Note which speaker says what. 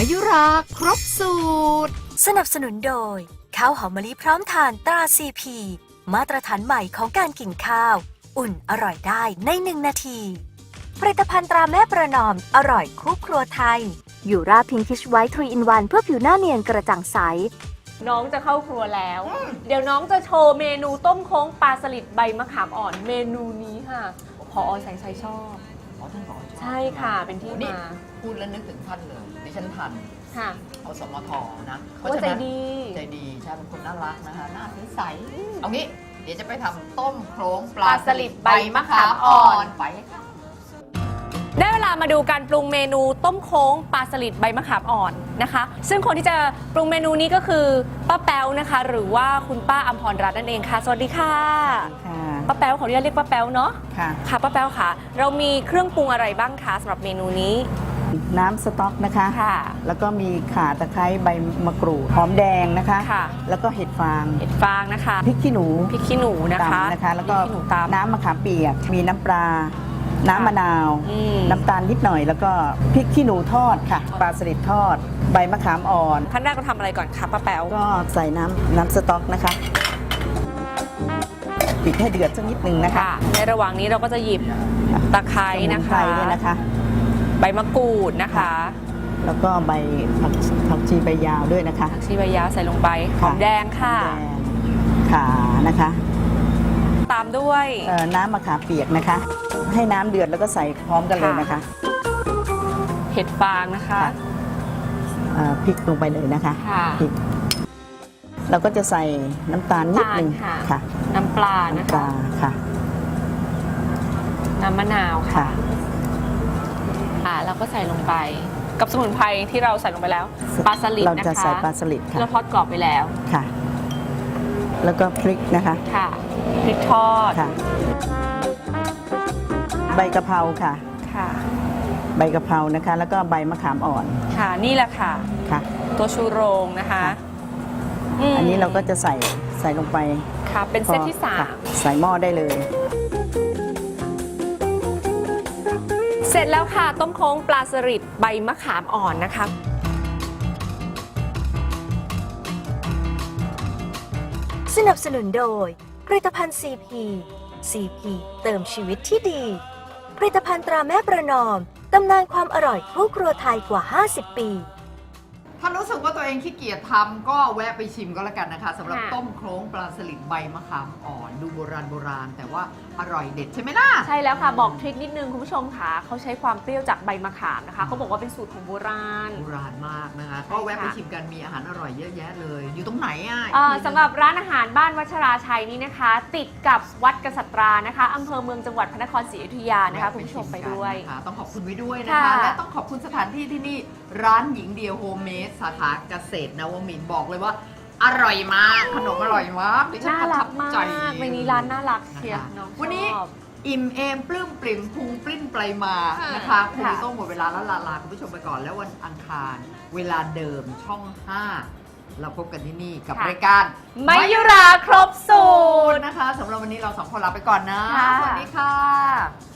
Speaker 1: มายุราครบสูตร
Speaker 2: สนับสนุนโดยข้าวหอมมะลิพร้อมทานตรา CP มาตรฐานใหม่ของการกินข้าวอุ่นอร่อยได้ใน1 นาทีผลิตภัณฑ์ตราแม่ประนอมอร่อยคู่ครัวไทยยูราพิงคิชไวท์3 in 1เพื่อผิวหน้าเนียนกระจ่างใส
Speaker 3: น้องจะเข้าครัวแล้ว เดี๋ยวน้องจะโชว์เมนูต้มโค้งปลาสลิดใบมะขามอ่อนเมนูนี้ค่ะผอ.แสงชัยชอบ
Speaker 4: ท่านผอ.
Speaker 3: ใช่ค่ะเป็นที่มา
Speaker 4: พูดแล้วนึกถึงท่านเลยดิฉันทัน
Speaker 3: ค่ะ
Speaker 4: เอาสมทนะ
Speaker 3: เขาใจดี
Speaker 4: ใช่เป็นคนน่ารักนะคะหน้าใสเอางี้เดี๋ยวจะไปทำต้มโครงปลาสลิดใบมะขามอ่อนไปค่ะ
Speaker 3: ได้เวลามาดูการปรุงเมนูต้มโค้งปลาสลิดใบมะขามอ่อนนะคะซึ่งคนที่จะปรุงเมนูนี้ก็คือป้าแป๊วนะคะหรือว่าคุณป้าอำพรรัตน์นั่นเองค่ะสวัสดีค่ะป้าแป๊วขออนุญาตเรียกป้าแป๊วเนาะค่ะป้าแป๊วค่ะเรามีเครื่องปรุงอะไรบ้างคะสำหรับเมนูนี้
Speaker 5: น้ำสต๊อกนะคะแล้วก็มีข่าตะไคร้ใบมะกรูดหอมแดงนะคะแล้วก็เห็ดฟาง
Speaker 3: นะคะ
Speaker 5: พริกขี้หนู
Speaker 3: นะคะ
Speaker 5: แล้วก็น้ำมะขามเปียกมีน้ำปลาน้ำมะนาวน้ำตาลนิดหน่อยแล้วก็พริกขี้หนูทอดค่ะปลาสลิดทอดใบมะขามอ่อน
Speaker 3: ขั้นแรกเราทำอะไรก่อนคะป้าแป๊ว
Speaker 5: ก็ใส่น้ำสต๊อกนะคะปิดให้เดือดสักนิดนึงนะคะ
Speaker 3: ในระหว่างนี้เราก็จะหยิบตะไคร้นะคะใบมะกรูดนะคะ
Speaker 5: แล้วก็ใบผักชีใบยาวด้วยนะคะ
Speaker 3: ผักชีใบยาวใส่ลงไปหอมแดงค่ะ
Speaker 5: ข่านะคะ
Speaker 3: ตามด้วย
Speaker 5: น้ำมะขามเปียกนะคะให้น้ำเดือดแล้วก็ใส่พร้อมกันเลยนะคะ
Speaker 3: เห็ดฟางนะคะ
Speaker 5: พริกลงไปเลยนะคะพริกเราก็จะใส่น้ำตาลนิดนึงค่ะ
Speaker 3: น้ำปลานะคะน้ำมะนาวค่ะเราก็ใส่ลงไปกับสมุนไพรที่เราใส่ลงไปแล้วปลาสลิดนะคะ
Speaker 5: เราจะใส่ปลาสลิดค่ะ
Speaker 3: เราทอดกรอบไปแล้ว
Speaker 5: ค่ะแล้วก็พริกนะคะ
Speaker 3: ค่ะพริกทอด
Speaker 5: ค่ะใบกะเพราค่ะใบกะเพรานะคะแล้วก็ใบมะขามอ่อน
Speaker 3: ค่ะนี่แหละค่ะตัวชูโรงนะคะ
Speaker 5: อันนี้เราก็จะใส่ลงไป
Speaker 3: ค่ะเป็นเซตที่3
Speaker 5: ใส่หม้อได้เลย
Speaker 3: เสร็จแล้วค่ะต้มโค้งปลาสลิดใบมะขามอ่อนนะคะ
Speaker 2: สนับสนุนโดยผลิตภัณฑ์ CP เติมชีวิตที่ดีผลิตภัณฑ์ตราแม่ประนอมตำนานความอร่อยคู่ครัวไทยกว่า50 ปี
Speaker 4: ถ้ารู้สึกว่าตัวเองขี้เกียจทำก็แวะไปชิมก็แล้วกันนะคะสำหรับต้มโครงปลาสลิดใบมะขามอ่อนดูโบราณแต่ว่าอร่อยเด็ดใช่ไหมล่ะ
Speaker 3: ใช่แล้วค่ะบอกทริคนิดนึงคุณผู้ชมค่ะเขาใช้ความเปรี้ยวจากใบมะขามนะคะเขาบอกว่าเป็นสูตรของโบราณ
Speaker 4: มากนะคะก็แวะไปชิมกันมีอาหารอร่อยเยอะแยะเลยอยู่ตรงไหน
Speaker 3: สำหรับร้านอาหารบ้านวัชราชัยนี่นะคะติดกับวัดกษัตรานะคะอำเภอเมืองจังหวัดพระนครศรีอยุธยานะคะคุณผู้ชมไปด้วย
Speaker 4: ต้องขอบคุณไว้ด้วยนะคะและต้องขอบคุณสถานที่ที่นี่ร้านหญิงเดียวโฮมเมดสาขาเกษตรนวมินทร์บอกเลยว่าอร่อยมากขนมอร่อยมาก
Speaker 3: น่ารักมากวันนี้ร้านน่ารักเชียร์
Speaker 4: วันนี้อิ่มเอมปลื้มปริ่มพุงปลิ้นไปมานะคะคุณต้องหมดเวลาแล้วลาคุณผู้ชมไปก่อนแล้ววันอังคารเวลาเดิมช่อง 5เราพบกันที่นี่กับรายการ
Speaker 3: มายุราครบสูตร
Speaker 4: นะคะสำหรับวันนี้เรา2 คนลาไปก่อนนะสวัสดีค่ะ